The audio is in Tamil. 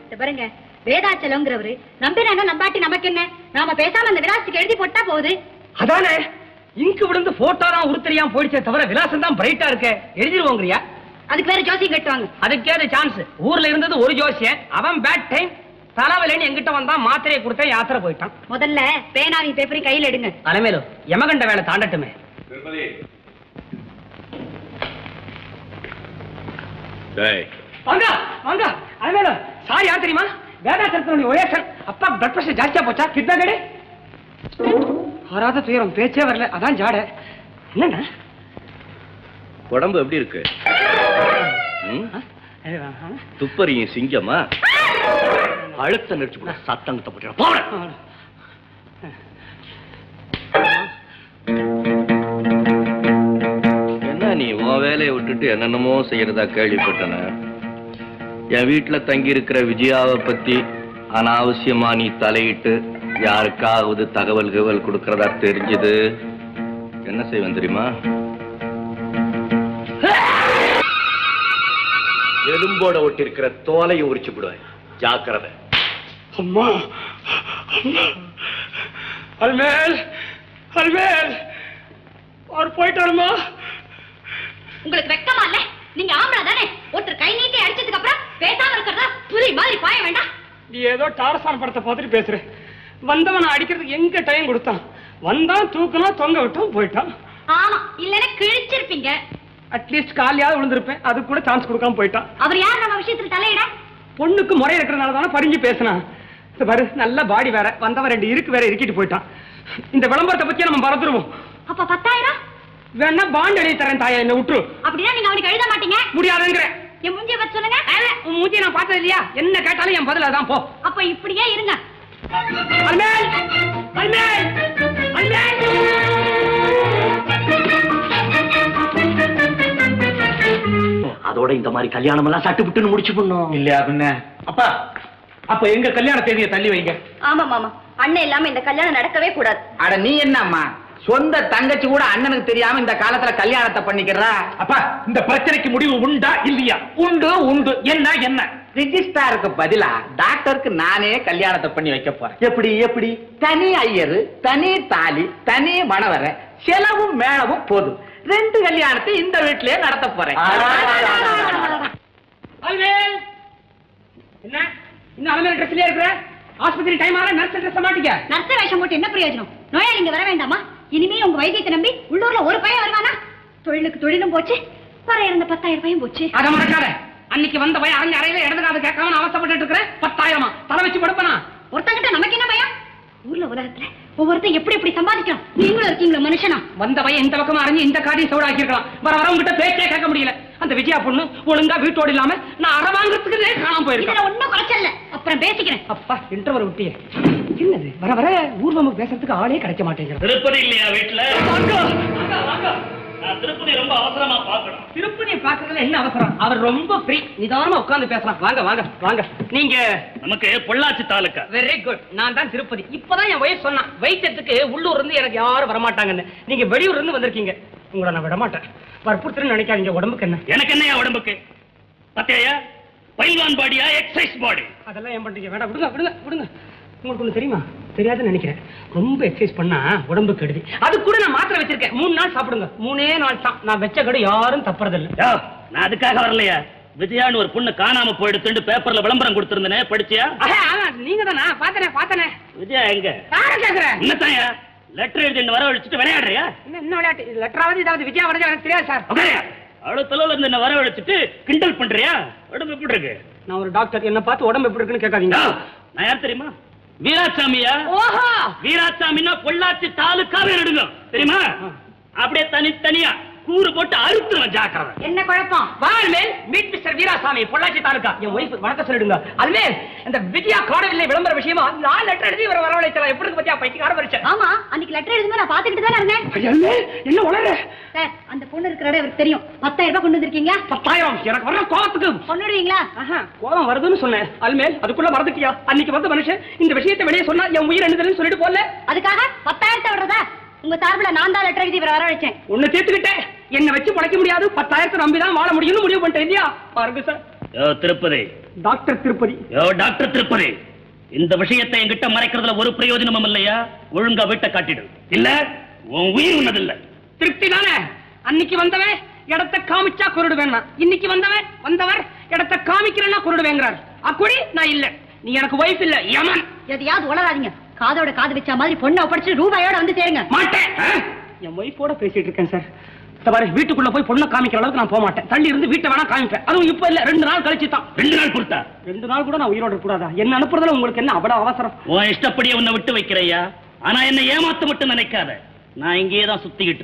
பாருங்க, வேதாச்சலங்கிறவரு நம்பினா நம்பாட்டி நமக்கு என்ன, நாம பேசாம அந்த விலாசத்துக்கு எழுதி போட்டா போகுது. அதானே, இங்கு விழுந்து போட்டோ தான் உருத்தரியாம போயிடுச்சே தவிர விலாசம் தான் பிரைட்டா இருக்க. எழுதிருவோங்கறியா? அதுக்கு வேற ஜோசியம் கட்டுவாங்க. அதுக்கேது சான்ஸ். ஊர்ல இருந்தது ஒரு ஜோசியன், அவன் பேட் டைம் தலைவலின்னு எங்கிட்ட வந்தா மாத்திரையை கொடுத்தேன், யாத்திரை போயிட்டான். முதல்ல பேனாவையும் பேப்பரையும் கையில் எடுங்க. தலைமையிலும் யமகண்ட வேலை தாண்டட்டுமே. வாங்க வாங்க. அலைமேலும் சாரி, யார் தெரியுமா? வேதாச்சலத்தினுடைய ஒயேசன். அப்பா பிளட் பிரஷர் ஜாஸ்தியா போச்சா? கிட்னா கடை ஆறாத துயரம், பேச்சே வரல. அதான் ஜாட. என்னன்னா உடம்பு எப்படி இருக்கு? துப்பறியும் சிங்கமா அழுத்த நடிச்சு கூட சத்தங்கத்தை போட்டு என்ன நீ உன் வேலையை விட்டுட்டு என்னென்னமோ செய்யறதா கேள்விப்பட்டன. என் வீட்டுல தங்கி இருக்கிற விஜயாவை பத்தி அனாவசியமா நீ தலையிட்டு யாருக்காவது தகவல் கொடுக்கறதா தெரிஞ்சது என்ன செய்வேன் தெரியுமா? எலும்போட ஒட்டி இருக்கிற தோலையை உரிச்சு விடுவேன். ஜாக்கிரதை. அம்மா அல்மேல், அல்மேல் அவர் போயிட்டாருமா. உங்களுக்கு வெக்கமா இல்ல? நீங்க ஆம்பளை தானே? ஒருத்தர் கை நீட்டி அடிச்சதுக்கு அப்புறம் பேசாம இருக்கிறதா புரி மாதிரி பாய வேண்டாம். நீ ஏதோ டாரசான் படத்தை பார்த்துட்டு பேசுற. வந்தவன் அடிக்கிறதுக்கு எங்க டைம் கொடுத்தான்? வந்தான், தூக்கணும், தொங்க விட்டும் போயிட்டான். ஆமா, இல்லன்னா கிழிச்சிருப்பீங்க. அட்லீஸ்ட் காலியாவது விழுந்திருப்பேன். அது கூட சான்ஸ் கொடுக்காம போயிட்டான். அவர் யார் நம்ம விஷயத்துல தலையிட? பொண்ணுக்கு முறை இருக்கிறனால தானே பறிஞ்சு பேசினான். பாரு, நல்ல பாடி வேற, வந்தவன் 2 இருக்கு வேற இருக்கிட்டு போயிட்டான். இந்த விளம்பரத்தை பத்தி நம்ம மறந்துருவோம். அப்ப 10,000 வேணா பாண்ட் எழுதி தரேன் தாயா, என்ன விட்டுரு. அப்படின்னா நீங்க அவனுக்கு எழுத மாட்டீங்க? முடியாதுங்கிற. என் மூஞ்சிய பத்தி சொல்லுங்க. உன் மூஞ்சிய நான் பார்த்தது இல்லையா? என்ன கேட்டாலும் என் பதில் அதான். போ. அப்ப இப்படியே இருங்க. அல்மேல், அல்மேல், அல்மேல். அதோட இந்த மாதிரி கல்யாணம் எல்லாம் சட்டு விட்டுன்னு முடிச்சு பண்ணும் இல்லையா? பின்ன அப்பா, அப்ப எங்க கல்யாண தேதியை தள்ளி வைங்க. ஆமா மாமா, அண்ணன் இல்லாம இந்த கல்யாணம் நடக்கவே கூடாது. அட நீ என்னம்மா, சொந்த தங்கச்சி கூட அண்ணனுக்கு தெரியாம இந்த காலத்துல கல்யாணத்தை பண்ணிக்கிறா? அப்பா, இந்த பிரச்சனைக்கு முடிவு உண்டா இல்லையா? உண்டு உண்டு. என்ன என்ன? ரிஜிஸ்டாருக்கு பதிலா டாக்டருக்கு நானே கல்யாணத்தை பண்ணி வைக்க போறேன். எப்படி எப்படி? தனி ஐயரு, தனி தாலி, தனி மணவரை, செலவும் மேளவும் போதும். 2 கல்யாணத்தை இந்த வீட்டிலேயே நடத்த போறேன். அல்மேல், என்ன இன்னும் அல்மேல் ட்ரெஸ்லயே இருக்கிற? ஆஸ்பத்திரி டைம் ஆற நர்ஸ் ட்ரெஸ் மாட்டிக்க. நர்ஸ் வேஷம் போட்டு என்ன பிரயோஜனம்? நோயாளிங்க வர வேண்டாமா? இனிமே உங்க வைத்தியத்தை நம்பி உள்ளூர்ல ஒரு பையன் வருவானா? தொழிலுக்கு தொழிலும் போச்சு, வர இருந்த 10,000 பையன் போச்சு. அத மறக்காத. அன்னைக்கு வந்த பையன் அரங்க அறையில இடதுக்காத கேட்காம அவசப்பட்டு இருக்கிற 10,000 தலை வச்சு படுப்பனா? ஒருத்தங்கிட்ட நமக்கு என்ன பயம்? ஊர்ல உலகத்துல ஒவ்வொருத்தர் எப்படி எப்படி சம்பாதிக்கலாம். நீங்களும் இருக்கீங்களா மனுஷனா? வந்த பையன் இந்த பக்கமா அறிஞ்சு இந்த காரியம் சோடாக்கி இருக்கலாம். வர வரவங்கிட்ட பேச்சே கேட்க முடியல. அந்த விஜயா பொண்ணு ஒழுங்கா வீட்டோடு இல்லாம நான் அரை வாங்குறதுக்கு காணாம போயிருக்கேன். ஒன்னும் குறைச்சல, அப்புறம் பேசிக்கிறேன். அப்பா, இன்டர்வல் விட்டியே. என்னது வர வர ஊர்வலம் பேசுறதுக்கு ஆளே கிடைக்க மாட்டேங்கிறது. திருப்பதி இல்லையா வீட்டுல? திருப்பதி ரொம்ப அவசரமா பாக்கணும். திருப்பதியை பாக்குறதுல என்ன அவசரம்? அவர் ரொம்ப ஃப்ரீ, நிதானமா உட்கார்ந்து பேசலாம். வாங்க வாங்க வாங்க. நீங்க? நமக்கு பொள்ளாச்சி தாலுக்கா. Very good. நான் தான் திருப்பதி. இப்பதான் என் வயசு சொன்னான், வைத்தியத்துக்கு உள்ளூர் இருந்து எனக்கு யாரும் வரமாட்டாங்கன்னு. நீங்க வெளியூர்ல இருந்து வந்திருக்கீங்க. உங்களை நான் விட மாட்டேன். வற்புறுத்துன்னு நினைக்காதீங்க. உடம்புக்கு என்ன? எனக்கு என்னையா உடம்புக்கு? பத்தையா பைல்வான் பாடியா, எக்ஸசைஸ் பாடி? அதெல்லாம் ஏன் பண்றீங்க? வேண்டாம், விடுங்க விடுங்க விடுங்க. உங்களுக்கு ஒண்ணு தெரியுமா? தெரியாதுன்னு நினைக்கிறேன். ரொம்ப எக்ஸசைஸ் பண்ணா உடம்புக்கு கெடுதி. அது கூட நான் மாத்திரை வச்சிருக்கேன். 3 நாள் சாப்பிடுங்க. 3 நாள் தான். நான் வச்ச கடை யாரும் தப்புறதில்லை. நான் அதுக்காக வரலையா. விஜயான்னு ஒரு பொண்ணு காணாம போயிடுத்து பேப்பர்ல விளம்பரம் கொடுத்திருந்தனே, படிச்சியா? நீங்க தானா? பாத்தனே. விஜயா எங்க? கேக்குறேன். என்னத்தாயா லெட்டர் எழுதி வர வச்சுட்டு விளையாடுறியா? என்ன விளையாட்டு? லெட்டராவது இதாவது விஜயா வரது எனக்கு தெரியாது சார். அவ்வளவு தொலைவில் இருந்து என்ன வர வச்சுட்டு கிண்டல் பண்றியா? உடம்பு எப்படி இருக்கு? நான் ஒரு டாக்டர், என்ன பார்த்து உடம்பு எப்படி இருக்குன்னு கேட்காதீங்க. நான் யார் தெரியுமா? வீராசாமியா? ஓஹோ, வீராசாமின்னா பொள்ளாச்சி தாலுக்காவே எடுங்க தெரியுமா? அப்படியே தனித்தனியா கூறு போட்டு அறுத்துருவேன். ஜாக்கிரதை. என்ன குழப்பம்? வால்மேல் மீட் மிஸ்டர் வீராசாமி, பொள்ளாச்சி தாலுகா. என் ஒய்ஃப் வணக்கம் சொல்லிடுங்க. அதுமேல் இந்த விஜயா காணவில்லை விளம்பர விஷயமா 4 லெட்டர் எழுதி இவரை வரவழைச்சலாம். எப்படி பத்தியா பைத்தியக்கார பரிச்சை? ஆமா, அன்னைக்கு லெட்டர் எழுதும்போது நான் பாத்துக்கிட்டு தானே இருந்தேன். என்ன உளற சார்? அந்த பொண்ணு இருக்கிற இடம் எனக்கு தெரியும். 10,000 ரூபாய் கொண்டு வந்திருக்கீங்க. 10,000 எனக்கு வர கோபத்துக்கு கொண்டுடுவீங்களா? கோபம் வருதுன்னு சொன்னேன். அல்மேல் அதுக்குள்ள மறந்துட்டியா? அன்னைக்கு வந்த மனுஷன் இந்த விஷயத்தை வெளியே சொன்னா என் உயிர் என்னதுன்னு சொல்லிட்டு போல. அதுக்காக 10,000 விடுறதா? உங்க சார்பில் நான் தான் லெட்டர் எழுதி இவரை வர வச்சேன். ஒண்ணு தீர்த்துக்கிட்டேன். என்ன வச்சு பழைக்க முடியாது. 10,000 நம்பிதான் வாழ முடியும்னு முடிவு பண்ணிட்டேன் இல்லையா? பாருங்க சார். திருப்பதி டாக்டர் திருப்பதி. யோ டாக்டர் திருப்பதி, இந்த விஷயத்தை என்கிட்ட மறைக்கிறதுல ஒரு பிரயோஜனமும் இல்லையா? ஒழுங்கா வீட்டை காட்டிடு, இல்ல உன் உயிர் உன்னதில்ல. திருப்தி தானே? அன்னைக்கு வந்தவன் இடத்தை காமிச்சா குருடுவேன், இன்னைக்கு வந்தவர் இடத்தை காமிக்கிறேன்னா குருடுவேங்கிறார். அக்குடி நான் இல்ல, நீ எனக்கு வைஃப் இல்ல, யமன். எதையாவது உளராதீங்க. காதோட காது வச்ச மாதிரி பொண்ணை ஒப்படைச்சு ரூபாயோட வந்து சேருங்க. மாட்டேன். என் வைஃபோட பேசிட்டு இருக்கேன் சார். பாரு, வீட்டுக்குள்ள போய் பொண்ணை காமிக்கிற அளவுக்கு நான் போக மாட்டேன். தள்ளி இருந்து வீட்டை வேணா காமிப்பேன். அதுவும் இப்ப இல்ல, 2 நாள் கழிச்சு தான். 2 நாள் கொடுத்தா? 2 நாள் கூட நான் உயிரோட கூடாதா? என்ன அனுப்புறதுல உங்களுக்கு என்ன அவ்வளவு அவசரம்? உன் இஷ்டப்படியே உன்னை விட்டு வைக்கிறையா? ஆனா என்ன ஏமாத்த மட்டும் நினைக்காத. நான் இங்கேயே தான் சுத்திக்கிட்டு